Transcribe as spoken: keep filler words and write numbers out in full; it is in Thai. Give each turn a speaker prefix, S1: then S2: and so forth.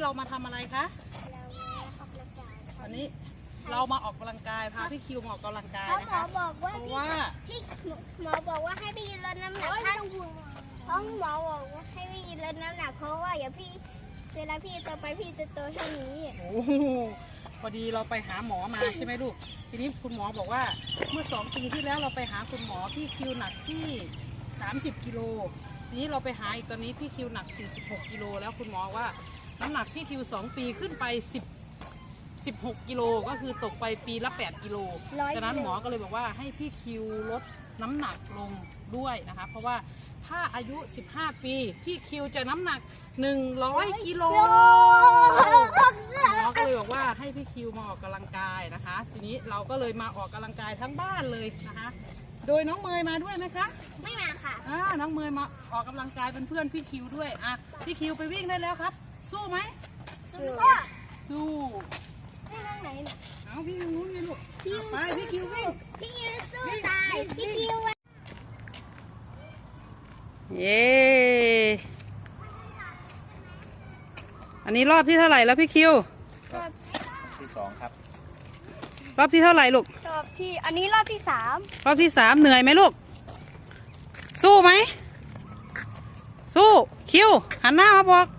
S1: เรามาทำอะไรคะวันนี้เรามาออกกำลังกายพาพี่คิวมาออกกำลังกายนะคะ
S2: หมอบอกว่า
S1: เพราะว่า
S2: พี่หมอบอกว่าให้พี่ลดน้ำหนักถ้าเพราะหมอบอกว่าให้พี่ลดน้ำหนักเพราะว่าอย่าพี่เวลาพี่โตไปพี่จะโตเท่านี้
S1: โอ้พอดีเราไปหาหมอมาใช่ไหมลูกทีนี้คุณหมอบอกว่าเมื่อสองปีที่แล้วเราไปหาคุณหมอพี่คิวหนักที่สามสิบกิโลทีนี้เราไปหาอีกตอนนี้พี่คิวหนักสี่สิบหกกิโลแล้วคุณหมอว่าน้ำหนักพี่คิวสองปีขึ้นไปสิบ สิบหกกิโลก็คือตกไปปีละแปดกิโลฉะนั้นหมอก็เลยบอกว่าให้พี่คิวลดน้ำหนักลงด้วยนะคะเพราะว่าถ้าอายุสิบห้าปีพี่คิวจะน้ำหนักหนึ่งร้อยกิโลหมอก็เลยบอกว่าให้พี่คิวมาออกกำลังกายนะคะทีนี้เราก็เลยมาออกกำลังกายทั้งบ้านเลยนะคะโดยน้องเมย์มาด้วยไหมคะ
S2: ไม่มาค่ะ
S1: อ่าน้องเมย์มาออกกำลังกายเป็นเพื่อนพี่คิวด้วยอ่ะพี่คิวไปวิ่งได้แล้วครับสู้ไหม
S2: สู้
S1: สู้
S2: พี่ทางไหนเนี่ย
S1: เอาพี่คิววิ่งลูกไปพี่คิววิ่ง
S2: พี่คิวสู้ตายพี่คิว
S1: เย้อันนี้รอบที่เท่าไหร่แล้วพี่คิว
S3: รอบที่สองครับ
S1: รอบที่เท่าไหร่ลูก
S2: รอบที่อันนี้รอบที่สาม
S1: รอบที่สามเหนื่อยไหมลูกสู้ไหมสู้คิวหันหน้ามาบอก